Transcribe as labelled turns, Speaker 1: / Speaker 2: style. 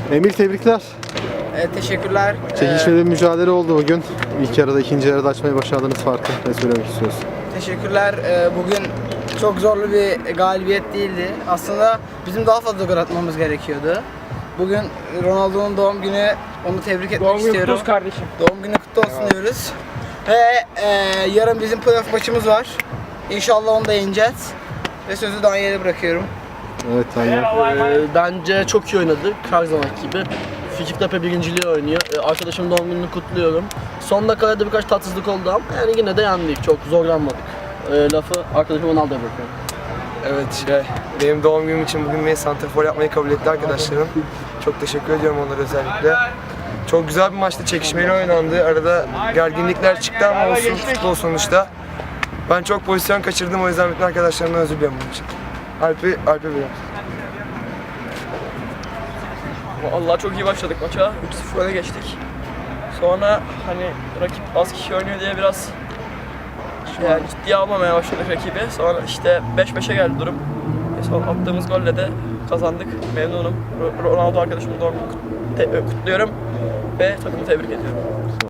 Speaker 1: Emil, tebrikler.
Speaker 2: Teşekkürler.
Speaker 1: Çekişmeli bir mücadele oldu bugün. İlk yarıda, ikinci yarıda açmayı başardınız farkı. Ne söylemek istiyorsun?
Speaker 2: Teşekkürler. Bugün çok zorlu bir galibiyet değildi. Aslında bizim daha fazla gol atmamız gerekiyordu. Bugün Ronaldo'nun doğum günü, onu tebrik etmek istiyorum.
Speaker 3: Doğum günü kutlu olsun kardeşim.
Speaker 2: Doğum günü kutlu olsun diyoruz. Ve yarın bizim playoff maçımız var. İnşallah onu da yeneceğiz. Ve sözü Daniel'e bırakıyorum.
Speaker 1: Evet, Daniel.
Speaker 4: Bence çok iyi oynadık her zamanki gibi. Fikirtepe birinciliği oynuyor. Arkadaşımın doğum gününü kutluyorum. Son dakikada birkaç tatsızlık oldu ama yani yine de yendik. Çok zorlanmadık. Lafı arkadaşım Ronaldo'ya bırakıyorum.
Speaker 5: Evet, benim doğum günüm için bugün beni santrafor yapmayı kabul etti arkadaşlarım. Çok teşekkür ediyorum onlara özellikle. Çok güzel bir maçtı, çekişmeli oynandı. Arada gerginlikler çıktı ama olsun, futbol sonuçta. Ben çok pozisyon kaçırdım, o yüzden bütün arkadaşlarımdan özür diliyorum bunun için. Alp'e veriyorum.
Speaker 3: Vallahi çok iyi başladık maça. 3-0 öne geçtik. Sonra hani rakip az kişi oynuyor diye biraz yani ciddiye almamaya başladık rakibi. Sonra işte 5-5'e geldi durum. Son attığımız golle de kazandık. Memnunum. Ronaldo arkadaşımın doğum gününü kutluyorum ve takımı tebrik ediyorum.